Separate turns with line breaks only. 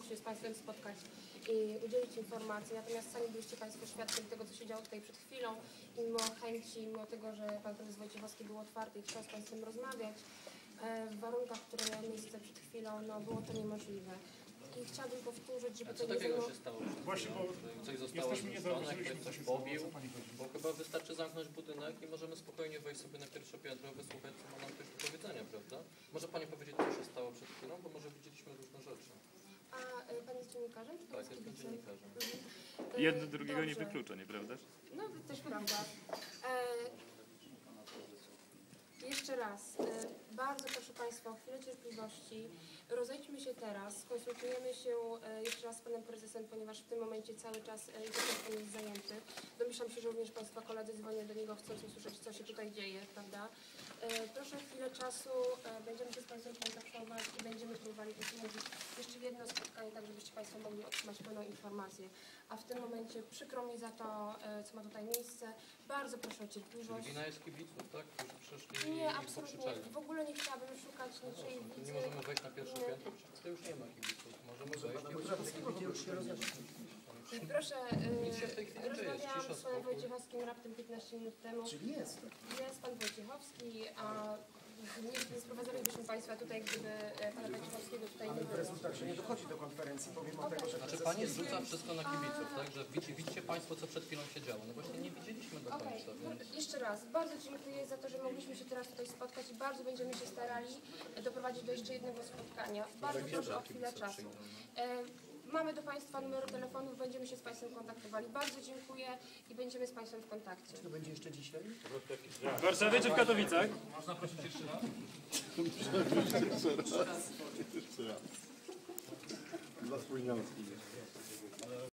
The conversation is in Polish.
się z Państwem spotkać i udzielić informacji, natomiast sami byliście Państwo świadkiem tego, co się działo tutaj przed chwilą i mimo chęci, mimo tego, że Pan Prezes Wojciechowski był otwarty i chciał z Państwem rozmawiać, w warunkach, które miały miejsce przed chwilą, no było to niemożliwe. I chciałabym powtórzyć, żeby to nie
takiego
było...
się stało?
Właśnie, bo
coś zostało zniszczone, ktoś
co
coś
się stało,
pobił,
co pani chodzi.
bo chyba wystarczy zamknąć budynek i możemy spokojnie wejść sobie na pierwsze piętro, wysłuchać, co ma nam ktoś do powiedzenia, prawda? Może Pani powiedzieć, co się stało przed chwilą, bo może widzieliśmy różne rzeczy.
A Pan jest dziennikarzem? Czy
Tak, jestem dziennikarzem.
Jedno drugiego nie wyklucza, nieprawdaż?
No, też prawda. Jeszcze raz, bardzo proszę Państwa o chwilę cierpliwości. Rozejdźmy się teraz, skonsultujemy się jeszcze raz z Panem Prezesem, ponieważ w tym momencie cały czas Pan jest zajęty. Domyślam się, że również Państwa koledzy dzwonią do niego, chcąc usłyszeć, co się tutaj dzieje, prawda? Proszę o chwilę czasu, będziemy się z Państwem kontaktować i będziemy próbowali umówić jeszcze jedno spotkanie, tak żebyście Państwo mogli otrzymać pełną informację. A w tym momencie przykro mi za to, co ma tutaj miejsce. Bardzo proszę o cierpliwość.
Wina jest kibiców, tak? Którzy przyszli
Nie,
i
absolutnie.
pokrzyczeli.
W ogóle nie chciałabym szukać niczyjej
To
wicy.
nie możemy wejść na pierwsze piętro, przecież to już nie ma kibiców. Możemy wejść
I proszę,
Nic się w tej chwili nie dzieje, jest
rozmawiałam
cisza,
z Panem
spokój.
Wojciechowskim raptem 15 minut temu.
Czyli jest.
Jest Pan Wojciechowski, a nie sprowadzalibyśmy Państwa tutaj, gdyby Pana Wojciechowskiego tutaj nie było.
Rezultat, że nie dochodzi do konferencji, pomimo tego, że
Znaczy Pani zrzuca wszystko na kibiców, tak? Że widzicie Państwo, co przed chwilą się działo. No właśnie nie widzieliśmy do
Okej,
końca, więc...
jeszcze raz, bardzo dziękuję za to, że mogliśmy się teraz tutaj spotkać i bardzo będziemy się starali doprowadzić do jeszcze jednego spotkania. Bardzo proszę o chwilę czasu. Mamy do Państwa numery telefonów, będziemy się z Państwem kontaktowali. Bardzo dziękuję i będziemy z Państwem w kontakcie.
to będzie jeszcze dzisiaj.
W Warszawie czy w Katowicach?
Można prosić jeszcze raz?
Jeszcze raz. Dla spóźnialskich.